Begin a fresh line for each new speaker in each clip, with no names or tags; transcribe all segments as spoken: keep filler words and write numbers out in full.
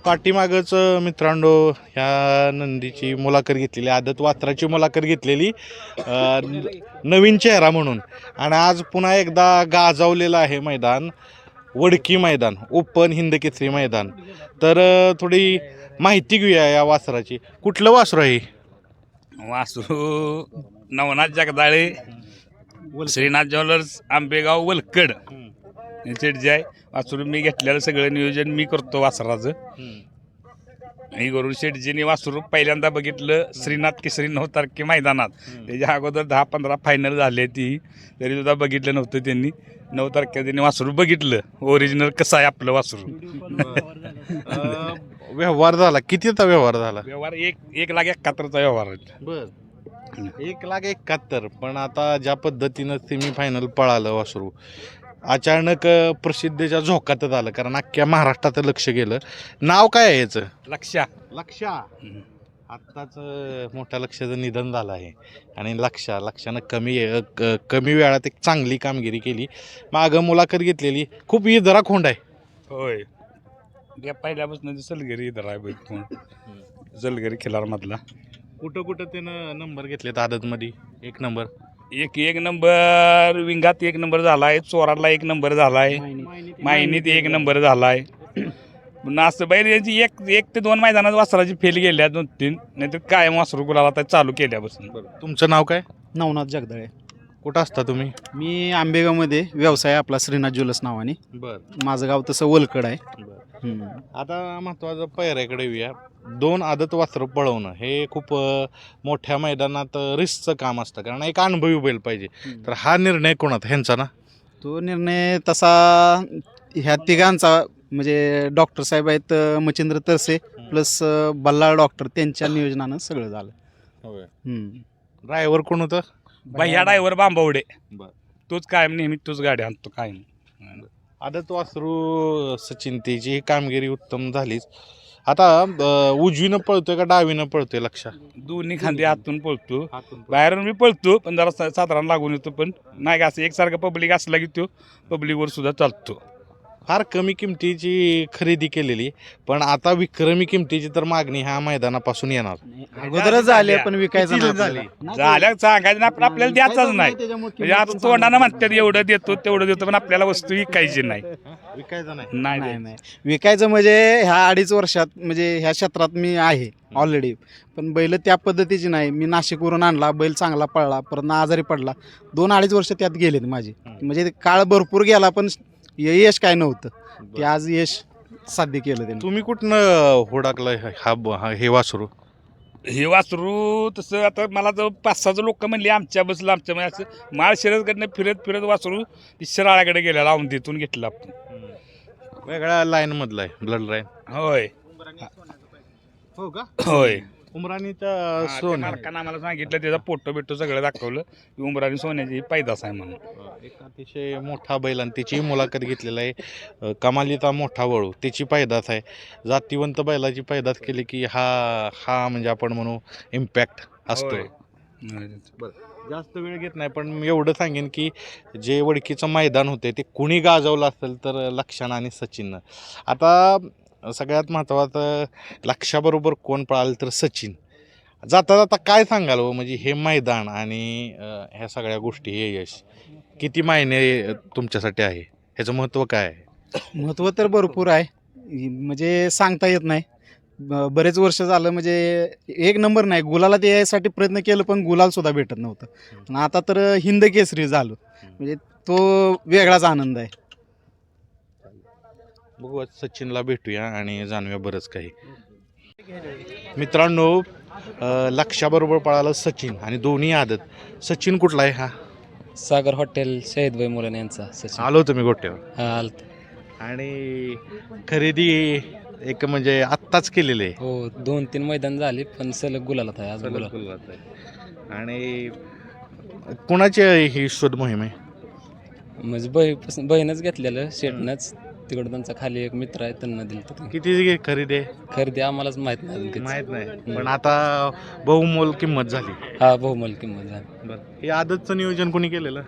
पाठीमागच मित्रांनो ह्या नंदीची मुलाखत घेतलेली, आदत वासराची मुलाखत घेतलेली अ, न- नवीन चेहरा म्हणून. आणि आज पुन्हा एकदा गाजवलेलं आहे मैदान, वडकी मैदान, ओपन हिंद केसरी मैदान. तर अ, थोडी माहिती घेऊया या वासराची. कुठलं वासरू आहे?
वासरू नवनाथ जगदाळे, श्रीनाथ ज्वेलर्स, आंबेगाव, वलकड शेटजी आहे. वासरू मी घेतलेलं सगळं नियोजन मी करतो वासराचं. मी करून शेटजीने वासरू पहिल्यांदा बघितलं श्रीनाथ केसरी नऊ तारखे मैदानात. त्याच्या अगोदर दहा पंधरा फायनल झाले ती, तरी सुद्धा बघितलं नव्हतं त्यांनी. नऊ तारखेला त्यांनी वासरू बघितलं, ओरिजिनल कसं आहे आपलं वासरू.
अ, व्यवहार झाला, कितीचा व्यवहार झाला?
व्यवहार एक एक लाख एकाहत्तरचा व्यवहार आहे.
बर एक लाख एकाहत्तर. पण आता ज्या पद्धतीनं सेमीफायनल पळालं वासरू, अचानक अ, प्रसिद्धीच्या झोकातच आलं, कारण अख्ख्या महाराष्ट्रात लक्ष गेलं. नाव काय आहे याचं?
लक्षा
लक्षा. आत्ताच अ, मोठ्या लक्षाचं निधन झालं आहे. आणि लक्षा लक्षानं कमी अ, क- कमी वेळात एक चांगली कामगिरी केली. मागं मुलाखत घेतलेली, खूप इदरा खोंड आहे.
होय. त्या पहिल्यापासून सलगरी इथं आहे बैल, सलगरी खिलार मधला.
कुठं कुठं त्यानं नंबर घेतलेत आदतमध्ये? एक नंबर,
एक एक नंबर विंगात एक नंबर झालाय, चोराडला एक नंबर झालाय, मायनीत एक नंबर झालाय. पुन्हा असं बैल यांची एक एक ते दोन मैदानात वासराची फेल गेल्या, दोन तीन, नाहीतर कायम वासरू गुलाला आता चालू केल्यापासून.
तुमचं नाव काय?
नवनाथ जगदाळे.
कुठं असता तुम्ही?
मी आंबेगावमध्ये व्यवसाय आपला श्रीनाथ ज्वेलर्स नावाने.
बर
माझं गाव तसं वलकड आहे.
बर
हम्म.
आता महत्वाचं पैऱ्याकडे येऊया. दोन आदत वासरं पळवणं हे खूप अ, मोठ्या मैदानात रिस्कचं काम असतं, कारण एक अनुभवी बैल पाहिजे. तर हा निर्णय कोणाचा? ह्यांचा ना?
तो निर्णय तसा ह्या तिघांचा, म्हणजे डॉक्टर साहेब आहेत अ, मच्छिंद्र तरसे प्लस बल्लाळ डॉक्टर, त्यांच्या नियोजनानं सगळं झालं. हम्म.
ड्रायव्हर कोण होतं?
भैया ड्रायव्हर बांबवडे,
बर.
तोच कायम नेहमी तोच गाडी आणतो कायम.
आदत वासरू सचिन, त्याची कामगिरी उत्तम झालीच. आता अ, उजवीनं पळतोय का डावीनं पळतोय लक्षा?
दोन्ही खांदे हातून पळतो, बाहेरून मी पळतो, पण जरा सा- साधारण लागून येतो. पण नाही का असं एकसारखं पब्लिक असला की तो पब्लिकवर सुद्धा चालतो.
फार कमी किमतीची खरेदी केलेली, पण आता विक्रमी किमतीची तर मागणी ह्या मैदानापासून येणार.
अगोदरच झाले पण विकायचं
किती
नाही
झाली?
आपल्याला.
झाल्या सांगायचं ना, पण आपल्याला द्यायचाच नाही.
त्याच्यामुळे
म्हणजे आता तोंडानं म्हणतात एवढं देतो तेवढं देतो, पण आपल्याला वस्तू विकायची नाही.
विकायचं नाही.
नाही
नाही
नाही.
नाही विकायचं म्हणजे ह्या अडीच वर्षात, म्हणजे ह्या क्षेत्रात मी आहे ऑलरेडी, पण बैल त्या पद्धतीची नाही. मी नाशिकवरून आणला बैल, चांगला पळला, परत आजारी पडला, दोन अडीच वर्ष त्यात गेलेत माझी. म्हणजे काळ भरपूर गेला, पण यश काय नव्हतं, ते आज यश साध्य केलं त्यांनी.
तुम्ही कुठनं हुडाकलं हा हा- हे वासरू?
हे वासरू तसं आता मला जर पाच सहाच लोक म्हणले आमच्या बसलं आमच्या म्हणजे असं माळ शिरसकडनं फिरत फिरत वासरू शिराळ्याकडे गेलेला, लावून तिथून घेतलं आपण.
वेगळ्या लाईन मधला आहे, ब्लड लाईन.
होय
हो का?
होय.
उमराणीचा
हा, त्या
सोन
मालकानं आम्हाला सांगितलं, त्याचा फोटो बिटो सगळं दाखवलं की उमराणी सोन्याची पैदास आहे म्हणून.
एक अतिशय मोठा बैल, आणि त्याची मुलाखत घेतलेला आहे. अ, कमालीचा मोठा वळू, त्याची पैदास आहे. जातीवंत बैलाची पैदास केली की हा हा म्हणजे आपण म्हणू इम्पॅक्ट असतो.
होय.
जास्त वेळ घेत नाही, पण मी एवढं सांगेन की जे वडकीचं मैदान होते ते कुणी गाजवलं असेल तर लक्षानं आणि सचिननं. आता सगळ्यात महत्त्वाचं, लक्षाबरोबर कोण पळालं तर सचिन. जाता जाता काय सांगाल हो, म्हणजे हे मैदान आणि अ, ह्या सगळ्या गोष्टी, हे यश किती मायने तुमच्यासाठी आहे? ह्याचं महत्त्व काय आहे?
महत्त्व तर भरपूर आहे, म्हणजे सांगता येत नाही. ब- बरेच वर्ष झालं, म्हणजे एक नंबर नाही, गुलाला ते यायसाठी प्रयत्न केलं, पण गुलाल सुद्धा भेटत नव्हतं. पण आता तर हिंद केसरी झालो, म्हणजे तो वेगळाच आनंद आहे.
बघू, आज सचिनला भेटूया आणि जाणूया बरंच काही. मित्रांनो, अ, लक्षाबरोबर पळालं सचिन, आणि दोन्ही आदत. सचिन कुठला आहे हा?
सागर हॉटेल शहीदभाई मुलाने यांचा सचिन.
आलो तुम्ही गोट्यावर.
हा, आलत.
आणि खरेदी एक म्हणजे आत्ताच केलेली आहे.
हो, दोन तीन मैदान झाले, पण सलग गुलालात आहे अजून गुलाल.
गुलाबात आहे. आणि कुणाची ही शोध मोहीम आहे?
म्हणजे बही बहीणच घेतलेलं शेटनंच, तिकडं त्यांचा खाली एक मित्र आहे, त्यांना दिलं होतं.
किती खरेदी आहे
खरेदी आम्हालाच माहित नाही अजून किती.
माहित नाही, पण आता बहुमोल किंमत झाली.
हा, बहुमोल किंमत झाली.
बरं, हे आदतचं नियोजन कोणी केलेलं?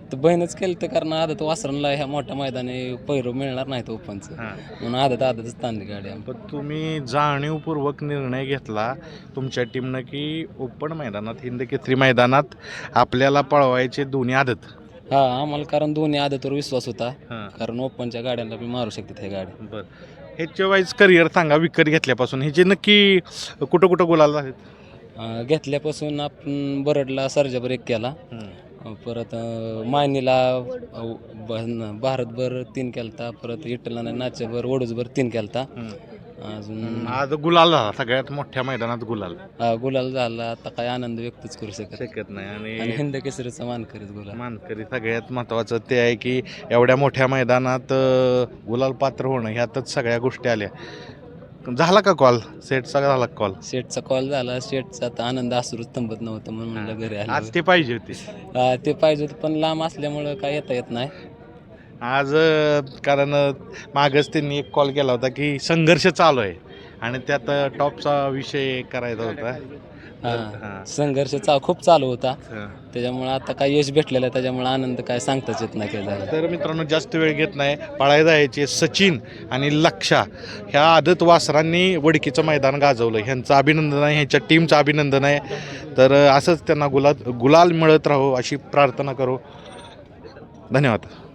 तर बहीणच केलं तर कारण आदत वासरणला ह्या मोठ्या मैदानी पैरो मिळणार नाही तो ओपनचं,
हां.
म्हणून आदत आदतच ताणली गाडी आम्ही.
पण तुम्ही जाणीवपूर्वक निर्णय घेतला तुमच्या टीमनं की ओपन मैदानात हिंद केसरी मैदानात आपल्याला पळवायचे दोन्ही आदत.
हा आम्हाला कारण दोन्ही आदतवर विश्वास होता,
हां.
कारण ओपनच्या गाड्यांना बी मारू शकतात ह्या गाडी.
बरं, ह्याच्या वाईज करिअर सांगा विकत घेतल्यापासून ह्याचे नक्की कुठं कुठं गुलाल आहेत?
अं, घेतल्यापासून आपण बरडला सर्जाभर एक केला, अं, परत अं, मायनीला अं, ब- भारतभर तीन केलता, परत इटला नाच्याभर ओडूजभर तीन केलता. अजून
आज गुलाल झाला सगळ्यात मोठ्या मैदानात गुलाल
हा, गुलाल झाला. आता काय आनंद व्यक्तच करू शकत नाही.
शकत नाही.
आणि
आणि
हिंद केसरीचा मान करीत गुलाल.
मानकरी सगळ्यात महत्त्वाचं ते आहे की एवढ्या मोठ्या मैदानात अं, गुलाल पात्र होणं ह्यातच सगळ्या गोष्टी आल्या. झाला का कॉल सेटचा झाला कॉल?
शेटचा कॉल झाला, शेटचा आता आनंद असूरच थांबत नव्हतं म्हणून म्हणलं घरी
आज
आलं.
ते पाहिजे होते.
हा, ते पाहिजे होतं पण लांब असल्यामुळं काय येता येत नाही.
आज अं, कारण अं, मागच त्यांनी एक कॉल केला होता की संघर्ष चालू आहे आणि त्यात अं, टॉपचा विषय करायचा होता.
हा,
हां.
संघर्ष चा खूप चालू होता,
हां.
त्याच्यामुळे आता काय यश भेटलेलं आहे, त्याच्यामुळे आनंद काय सांगताच येत नाही काय झालं.
तर मित्रांनो जास्त वेळ घेत नाही. पळायला जायचे सचिन आणि लक्षा ह्या आदत वासरांनी वडकीचं मैदान गाजवलं. ह्यांचं अभिनंदन आहे, ह्यांच्या टीमचं अभिनंदन आहे. तर अं, असंच त्यांना गुलाल गुलाल मिळत राहो अशी प्रार्थना करू. धन्यवाद.